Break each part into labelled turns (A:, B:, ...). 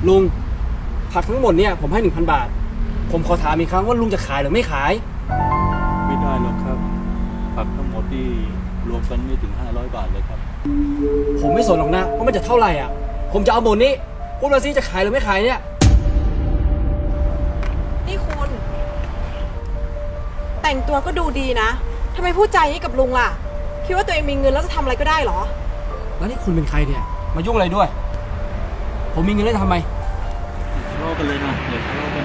A: ลุงผักทั้งหมดเนี่ยผมให้ 1,000 บาทผมขอถามอีกครั้งว่าลุงจะขายหรือไม่ขาย
B: ไม่ได้หรอกครับผักทั้งหมดที่รวมกันไม่ถึง500 บาทเลยครับ
A: ผมไม่สนหรอกนะว่ามันจะเท่าไหร่อ่ะผมจะเอาหมดนี้พูดมาสิจะขายหรือไม่ขายเนี่ย
C: นี่คุณแต่งตัวก็ดูดีนะทำไมพูดใจนี้กับลุงล่ะคิดว่าตัวเองมีเงินแล้วจะทำอะไรก็ได้เหรอ
A: แล้วนี่คุณเป็นใครเนี่ยมายุ่งอะไรด้วย ผมมีเงินแล้วจะทำไม
B: ทะเลาะกันเลยนะอย่าทะเลาะกัน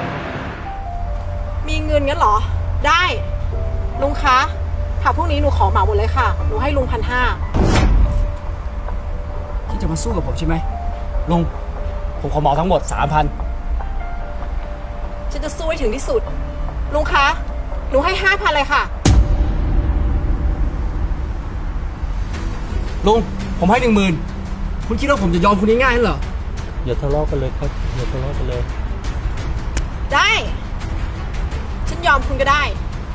C: มีเงินงั้นเหรอได้ลุงคะผักพวกนี้หนูขอเหมาหมดเลยค่ะหนูให้ลุง1,500
A: ที่จะมาสู้กับผมใช่ไหมลุงผมขอเหมาทั้งหมด 3,000
C: ฉันจะสู้ให้ถึงที่สุดลุงคะหนูให้5,000เลยค่ะ
A: ลุงผมให้ 10,000คุณคิดว่าผมจะยอมคุณง่ายๆนั่นเหรอ
B: อย่าทะเลาะกันเลยครับอย่าทะเลาะกันเลย
C: ได้ฉันยอมคุณก็ได้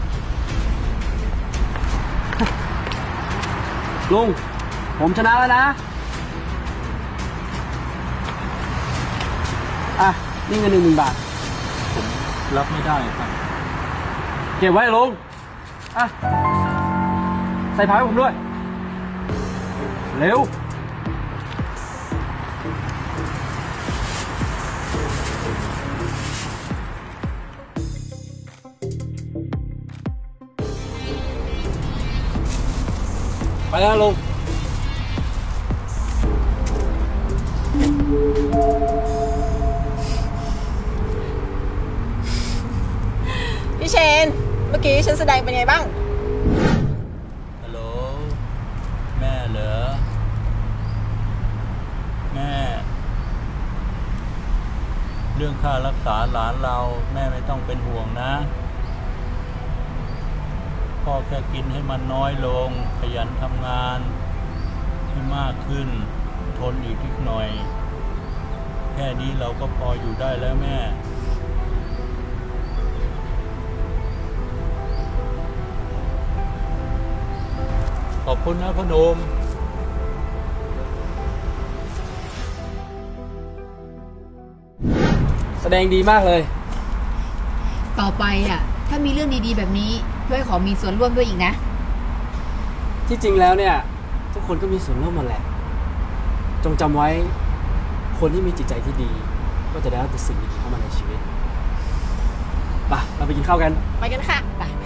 A: ลุงผมชนะแล้วนะอ่ะนี่เงิน 10,000 บาท
B: รับไม่ได้ครับ
A: เก็บไว้ลุงอ่ะใส่ผ้าให้ผมด้วยเร็วไปแล้วลุง
C: พี่เชนเมื่อกี้ฉันแสดงเป็นไงบ้าง
B: ฮัลโหลแม่เหรอแม่เรื่องค่ารักษาหลานเราแม่ไม่ต้องเป็นห่วงนะพ่อแค่กินให้มันน้อยลงขยันทำงานให้มากขึ้นทนอีกนิดหน่อยแค่นี้เราก็พออยู่ได้แล้วแม่ขอบคุณนะพนม
A: แสดงดีมากเลย
D: ต่อไปอ่ะถ้ามีเรื่องดีๆแบบนี้ช่วยขอมีส่วนร่วมด้วยอีกนะ
A: ที่จริงแล้วเนี่ยทุกคนก็มีส่วนร่วมหมดแหละจงจำไว้คนที่มีจิตใจที่ดีก็จะได้รับแต่สิ่งดีๆเข้ามาในชีวิตไปเราไปกินข้าวกัน
C: ไปกันค่ะไป